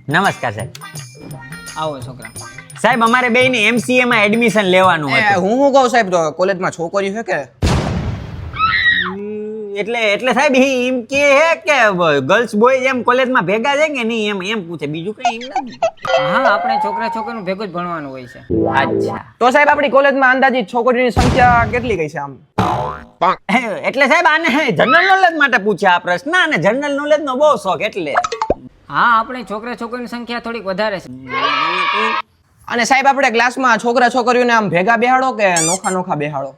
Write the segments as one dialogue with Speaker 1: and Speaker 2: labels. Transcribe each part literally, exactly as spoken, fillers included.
Speaker 1: નમસ્કાર સાહેબ.
Speaker 2: આવો છોકરા.
Speaker 1: સાહેબ અમારે બે ને એમસીએ માં એડમિશન લેવાનું
Speaker 3: એ
Speaker 1: હતું.
Speaker 3: હું હું કહું સાહેબ તો કોલેજમાં છોકરી છે કે
Speaker 1: એટલે એટલે સાહેબ ઈ એમ કે હે કે ગર્લ્સ બોય એમ કોલેજમાં ભેગા છે કે નહીં એમ એમ પૂછે, બીજું કઈ એમ નથી.
Speaker 2: હા, આપણે છોકરા છોકરીનું ભેગું જ ભણવાનું હોય છે.
Speaker 1: અચ્છા.
Speaker 3: તો સાહેબ આપણી કોલેજમાં અંદાજિત છોકરીની સંખ્યા કેટલી ગઈ છે આમ?
Speaker 1: એટલે સાહેબ આને જનરલ નોલેજ માટે પૂછ્યા આ પ્રશ્ન, અને જનરલ નોલેજ નો બહુ શોખ એટલે.
Speaker 2: હા, આપણે છોકરા છોકરીની સંખ્યા થોડીક વધારે છે.
Speaker 3: અને સાહેબ આપણે ક્લાસમાં છોકરા છોકરીઓને આમ ભેગા બેહાડો કે નોખા નોખા બેહાડો?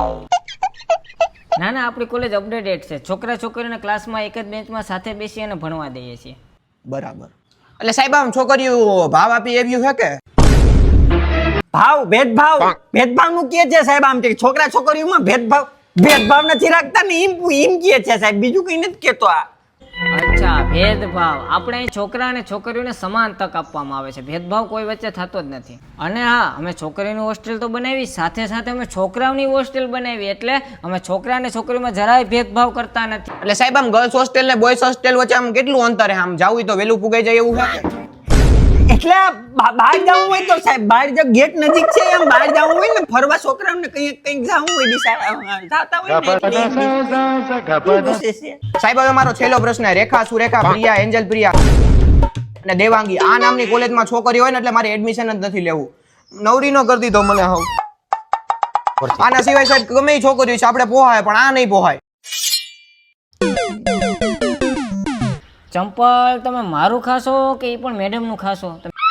Speaker 2: ના ના, આપણી કોલેજ અપડેટેડ છે. છોકરા છોકરીઓને ક્લાસમાં એક જ બેન્ચમાં સાથે બેસી અને ભણવા દઈએ છીએ.
Speaker 3: બરાબર. એટલે સાહેબ આમ છોકરીઓ ભાવ આપી એવ્યું છે કે?
Speaker 1: ભાવ ભેદભાવ ભેદભાવ નું કે છે સાહેબ, આમ કે છોકરા છોકરીઓમાં ભેદભાવ ભેદભાવ નથી રાખતા ને એમ એમ કે છે સાહેબ, બીજું કઈ નથી કેતો. આ
Speaker 2: અચ્છા, ભેદભાવ. આપણે અહીં છોકરા અને છોકરીઓને સમાન તક આપવામાં આવે છે. ભેદભાવ કોઈ વચ્ચે થતો જ નથી. અને હા, અમે છોકરીની હોસ્ટેલ તો બનાવી, સાથે સાથે અમે છોકરાઓની હોસ્ટેલ બનાવી, એટલે અમે છોકરા અને છોકરીમાં જરાય ભેદભાવ કરતા નથી.
Speaker 3: એટલે સાહેબ આમ ગર્લ્સ હોસ્ટેલ ને બોયઝ હોસ્ટેલ વચ્ચે આમ કેટલું અંતર છે? આમ જાવું હોય તો વેલું પુગાઈ જાય એવું છે કે?
Speaker 1: એટલે બહાર જવું હોય તો સાહેબ બહાર જો ગેટ નજીક છે, એમ બહાર જવું હોય ને ફરવા છોકરાઓને કંઈક કંઈક જવું હોય દિશા જાતા હોય ને એટલે.
Speaker 3: સાહેબ હવે મારો છેલ્લો પ્રશ્ન. રેખા, સુરેખા, પ્રિયા, એન્જલ પ્રિયા અને દેવાંગી આ નામની કોલેજમાં છોકરી હોય ને એટલે મારે એડમિશન જ નથી લેવું. નવરી નો કરી દીધો મને. હવે આના સિવાય સાહેબ ગમે એ છોકરી છે આપણે પોહાય, પણ આ નહીં પોહાય.
Speaker 2: ચંપલ તમે મારું ખાશો કે એ પણ મેડમનું ખાશો?